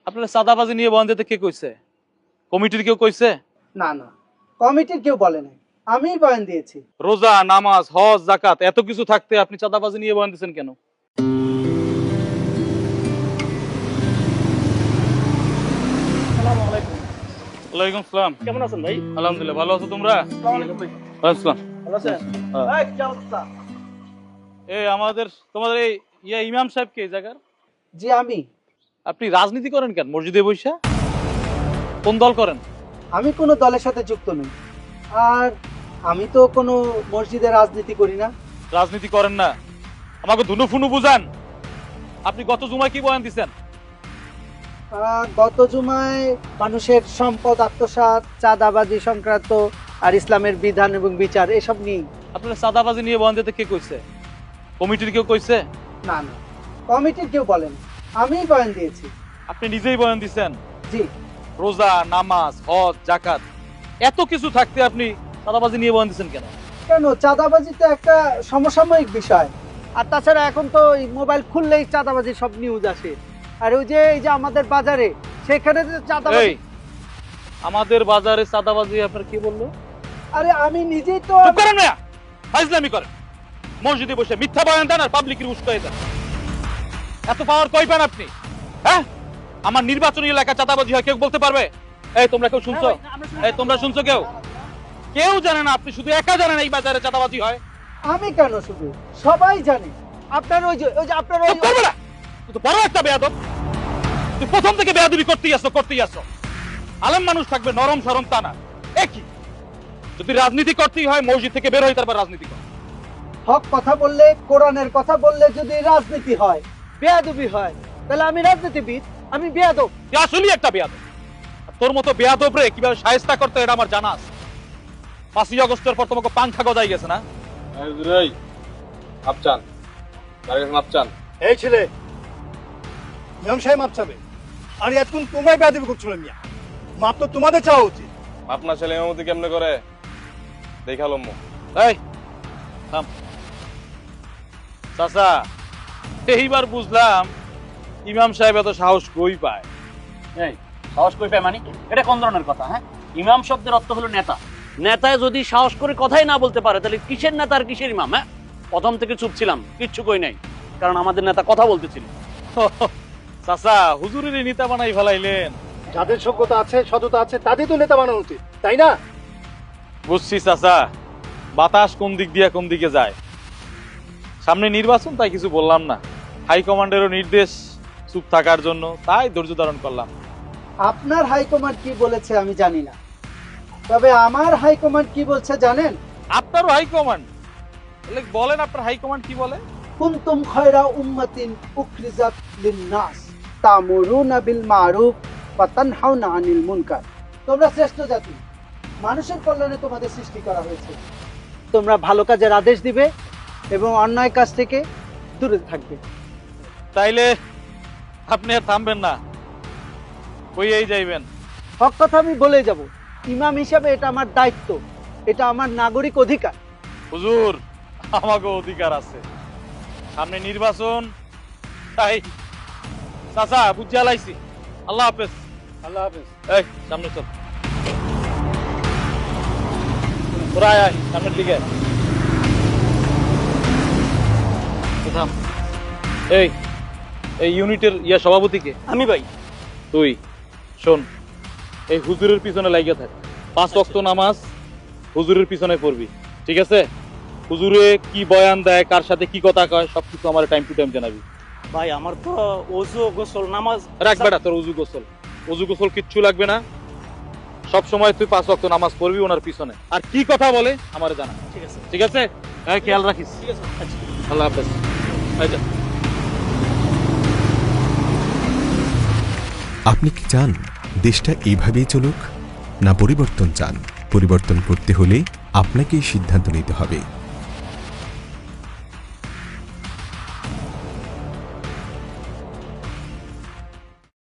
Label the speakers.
Speaker 1: আপনারা চাঁদাবাজি নিয়ে বয়ান দিতে কে কইছে? কমিটির কেউ কইছে?
Speaker 2: না না, কমিটির কেউ বলে নাই, আমিই বয়ান দিয়েছি।
Speaker 1: রোজা, নামাজ, হজ, যাকাত এত কিছু থাকতে আপনি চাঁদাবাজি নিয়ে বয়ান দিচ্ছেন কেন? ওয়ালাইকুম আসসালাম।
Speaker 3: কেমন আছেন ভাই?
Speaker 1: আলহামদুলিল্লাহ, ভালো আছো তোমরা? আসসালাম।
Speaker 3: ভালো আছেন?
Speaker 1: হ্যাঁ।
Speaker 3: এই, কি অবস্থা?
Speaker 1: এই তোমাদের এই ইমাম সাহেব কে এই জায়গার?
Speaker 2: জি আমি।
Speaker 1: আপনি রাজনীতি করেন কেন মসজিদে বৈশা? কোন দল করেন?
Speaker 2: আমি কোনো দলের সাথে যুক্ত নই, আর আমি তো কোনো মসজিদে রাজনীতি করি না।
Speaker 1: রাজনীতি করেন না, আমাকে ধুনু ফুনু বুঝান। আপনি গত জুমায় কি বয়ান দিচ্ছেন?
Speaker 2: গত জুমায় মানুষের সম্পদ আত্মসাৎ, চাঁদাবাজি সংক্রান্ত আর ইসলামের বিধান এবং বিচার এসব নিয়ে।
Speaker 1: আপনারা চাঁদাবাজি নিয়ে বয়ান দিতে কে কইছে? কমিটির কেউ কইছে?
Speaker 2: না না, কমিটির কেউ বলেন, আমিই বয়ান দিয়েছি।
Speaker 1: আপনি নিজেই বয়ান দিচ্ছেন?
Speaker 2: জি।
Speaker 1: রোজা, নামাজ, হজ, যাকাত এত কিছু থাকতে আপনি চাঁদাবাজি নিয়ে বয়ান দিচ্ছেন কেন?
Speaker 2: কেন, চাঁদাবাজি তো একটা সমসাময়িক বিষয়। আর তাছাড়া এখন তো মোবাইল খুললেই চাঁদাবাজি সব নিউজ আসে। আর ওই যে আমাদের বাজারে সেখানে যে চাঁদাবাজি।
Speaker 1: এই আমাদের বাজারে চাঁদাবাজি আপনার কি বললো?
Speaker 2: আরে আমি নিজেই তো।
Speaker 1: চুপ করেন না, ফাজলামি করেন। মসজিদে বসে মিথ্যা বয়ান দেন আর পাবলিকের উস্কাই দেন। এত পাওয়ার কই পান আপনি? হ্যাঁ, আমার নির্বাচনী এলাকা চাঁদাবাজি হয় কেউ বলতে পারবে? এই তোমরা কেউ শুনছো? এই তোমরা শুনছো কেউ? কেউ জানে না, আপনি শুধু একা জানেন এই বাজারে চাঁদাবাজি হয়।
Speaker 2: আমি কেন, শুধু সবাই জানে। আপনার ওই যে আপনার ওই।
Speaker 1: চুপ করবে না, তুই তো বড় একটা বেয়াদব। তুই প্রথম থেকে বেয়াদবি করতেই আসো। আলেম মানুষ থাকবে নরম সরম তা না। একই যদি রাজনীতি করতেই হয় মসজিদ থেকে বের হই, তারপর রাজনীতি কর।
Speaker 2: হক কথা বললে, কোরআনের কথা বললে যদি রাজনীতি হয়, বেয়াদবি হয়, তাহলে আমি রাজনীতিবিদ, আমি বেয়াদব।
Speaker 1: তুই আসলেই একটা বেয়াদব। আর তোর মতো বেয়াদব রে কিভাবে শায়েস্তা করতে হয় এটা আমার জানা আছে। 5ই আগস্টের পর তোমাকে পাংখা গজাই গেছে না?
Speaker 3: এই ছেলে, ইমাম সাহেব মাপ চাবে। আর এতক্ষণ তোমরাই বেয়াদবি করছিল মিয়া। মাপ তো তোমাদের চাওয়া উচিত।
Speaker 4: আপনার ছেলে এমতি কেমনে করে দেখালো মু।
Speaker 1: এই থাম। চাচা, এইবার বুঝলাম ইমাম সাহেব এত সাহস কই পায়।
Speaker 5: এই সাহস কই পায় মানে? এটা কোন ধরনের কথা? হ্যাঁ, ইমাম শব্দের অর্থ হলো নেতা। নেতায় যদি সাহস করে কথাই না বলতে পারে তাহলে কিসের নেতা আর কিসের ইমাম? হ্যাঁ, প্রথম থেকে চুপ ছিলাম, কিচ্ছু কই নাই, কারণ আমাদের নেতা কথা বলতেছিল।
Speaker 1: চাচা, হুজুরের নেতা বানাই ফেলাইলেন।
Speaker 3: যাদের যোগ্যতা আছে, সততা আছে, তাদের তো নেতা বানানো উচিত, তাই না?
Speaker 1: বুঝছি চাচা, বাতাস কোন দিক দিয়ে কোন দিকে যায়। সামনে নির্বাচন, তাই কিছু বললাম না। হাইকমান্ডেরও নির্দেশ চুপ থাকার জন্য, তাই ধৈর্য ধারণ করলাম।
Speaker 2: আপনার হাইকমান্ড কি বলেছে আমি জানি না, তবে আমার হাইকমান্ড কি বলছে জানেন?
Speaker 1: আপনারও হাইকমান্ড? বলেন আপনার হাইকমান্ড কি বলে?
Speaker 2: কুনতুম খায়রা উম্মাতিন উখরিজাত লিন-নাস তা'মুরুনা বিল মা'রুফ ওয়া তানহাউনা আনিল মুনকার। তোমরা শ্রেষ্ঠ জাতি, মানুষের কল্যাণে তোমাদের সৃষ্টি করা হয়েছে। তোমরা ভালো কাজের আদেশ দিবে এবং অন্যায় কাজ থেকে দূরে থাকবে।
Speaker 1: তাইলে আপনি আর থামবেন না, কইয়েই যাইবেন?
Speaker 2: হক কথা আমি বলে যাব। ইমাম হিসাবে এটা আমার দায়িত্ব, এটা আমার নাগরিক অধিকার।
Speaker 1: হুজুর, আমাকে অধিকার আছে, সামনে নির্বাচন, তাই চাচা বুঝিয়া লাইছি। আল্লাহ হাফেজ।
Speaker 3: আল্লাহ হাফেজ।
Speaker 1: এই সামনে চল, তোরা আয় আয় সামনের দিকে। থাম। এই এই ইউনিটের সভাপতিকে?
Speaker 5: আমি ভাই।
Speaker 1: তুই শোন, এই হুজুরের পিছনে লাগিয়ে থাক। 5 ওয়াক্ত নামাজ হুজুরের পিছনে পড়বি, ঠিক আছে? হুজুরে কি বয়ান দেয়, কার সাথে কি কথা কয়, সবকিছু আমার টাইম টু টাইম জানাবি।
Speaker 5: ভাই আমার তো ওযু গোসল নামাজ
Speaker 1: রাখবে না তোর অজু গোসল কিচ্ছু লাগবে না। সব সময় তুই 5 ওয়াক্ত নামাজ পড়বি ওনার পিছনে। আর কি কথা বলে আমারে জানা,
Speaker 5: ঠিক আছে।
Speaker 1: ঠিক আছে? হ্যাঁ, খেয়াল রাখিস।
Speaker 5: ঠিক আছে, আচ্ছা।
Speaker 1: আল্লাহ হাফেজ। এই যা।
Speaker 6: আপনি কি চান দেশটা এইভাবেই চলুক, না পরিবর্তন চান? পরিবর্তন করতে হলে আপনাকেই সিদ্ধান্ত নিতে হবে।